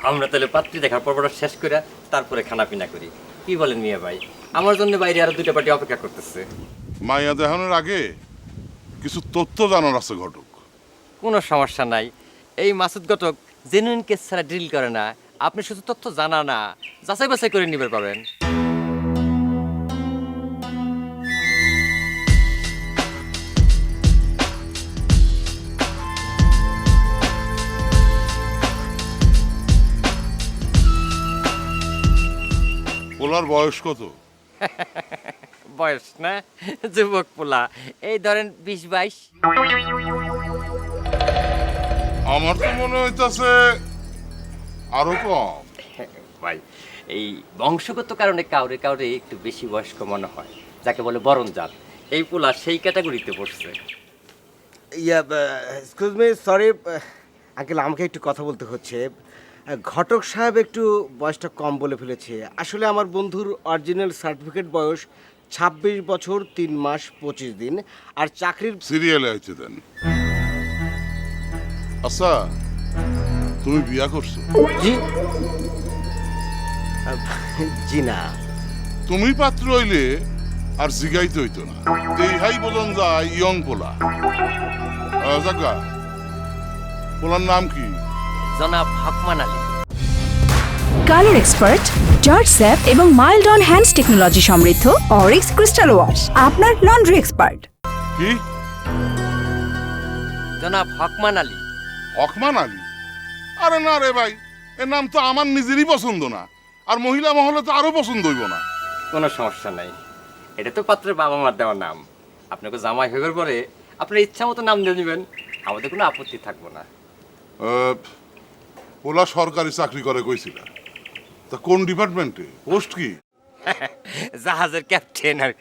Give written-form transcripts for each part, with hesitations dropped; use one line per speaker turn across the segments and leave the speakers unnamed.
আমরা তাহলে পাত্রী দেখার পর্বটা শেষ করে তারপরে খানা পিনা করি, কি বলেন মিয়া ভাই? আমার জন্য বাইরে আরো দুইটা পার্টি অপেক্ষা করতেছে।
মাইয়া দেখানোর আগে কিছু তথ্য জানার আছে ঘটক।
কোনো সমস্যা নাই। এই মাসুদ ঘটক জেনুইন কেস ছাড়া ডিল করে না। আপনি শুধু তথ্য জানা না, যাচাই বাছাই করে নিবে পাবেন।
পোলার বয়স কত?
বয়স না, যুবক পোলা, এই ধরেন 20-22।
আমার তো মনে হইতাছে আরো কম।
ভাই, এই বংশগত কারণে কাউরে কাউরে একটু বেশি বয়স্ক মনে হয়, যাকে বলে বরণ জাত। এই পোলা সেই ক্যাটাগরিতে পড়ছে।
Yeah excuse me, sorry uncle, আমাকে একটু কথা বলতে হচ্ছে। ঘটক সাহেব একটু বয়সটা কম বলে ফেলেছে। আসলে আমার বন্ধুর অরিজিনাল সার্টিফিকেট বয়স 26 বছর 3 মাস 25 দিন, আর চাকরির
সিরিয়ালে আইতে দেন। আচ্ছা, তুমি বিয়া করছো?
জি জি না।
তুমি পাত্র হইলে আর জিগাইতে হইতো না, এই হাই বোঝন যায় ইয়ং পোলা। জাগা, পোলার নাম কি?
জনাব Hokman Ali.
Colour expert, George sap এবং মাইল্ড অন হ্যান্ডস টেকনোলজি সমৃদ্ধ অরিক্স ক্রিস্টাল ওয়াশ আপনার লন্ড্রি এক্সপার্ট।
কি?
জনাব হকমান আলী।
হকমান আলী? আরে না রে ভাই, এর নাম তো আমার নিজেরই পছন্দ না, আর মহিলা মহলে তো আরো পছন্দ হইব না।
কোনো সমস্যা নাই, এটা তো পাত্রের বাবা মার দেওয়া নাম। আপনাকে জামাই হইবার পরে আপনার ইচ্ছা মতো নাম দিয়ে নেবেন, আমাদের কোনো আপত্তি থাকবো না।
পোলা সরকারি চাকরি করে কইছিল, তা কোন ডিপার্টমেন্টে, পোস্ট কি?
জাহাজের ক্যাপ্টেন আর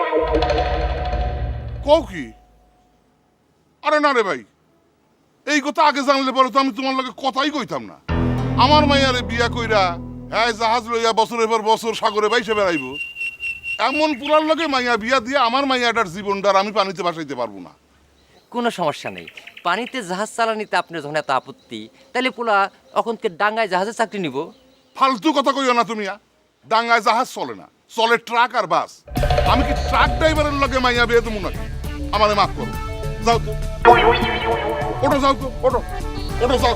কও কি? আরে না রে ভাই, এই কথা আগে জানলে পরে তো আমি তোমার লগে কথাই কইতাম না। আমার মাইয়ারে বিয়া কইরা হ্যাঁ জাহাজ লইয়া বছরের পর বছর সাগরে বাইসে বেড়াইব, এমন পুরার লগে মাইয়া বিয়া দিয়ে আমার মাইয়াটার জীবনটার আমি পানিতে ভাসাইতে পারবো না।
কোনো সমস্যা নেই। পানিতে জাহাজ চালানিতে আপনার যখন এত আপত্তি, তাহলে পোলা অখনকে ডাঙ্গায় জাহাজে চাকরি নিব।
ফালতু কথা কইও না তুমি। ডাঙ্গায় জাহাজ চলে না, চলে ট্রাক আর বাস। আমি কি ট্রাক ড্রাইভারের লগে মাইয়া বিয়ে দেবো নাকি? আমারে মাফ করো, যাও তো, ওটো যাও তো, ওটো ওটো যাও।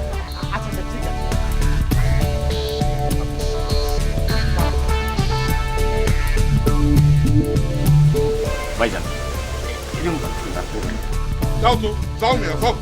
ভাইজান,
যাও তো, যাও মিয়া, যাও।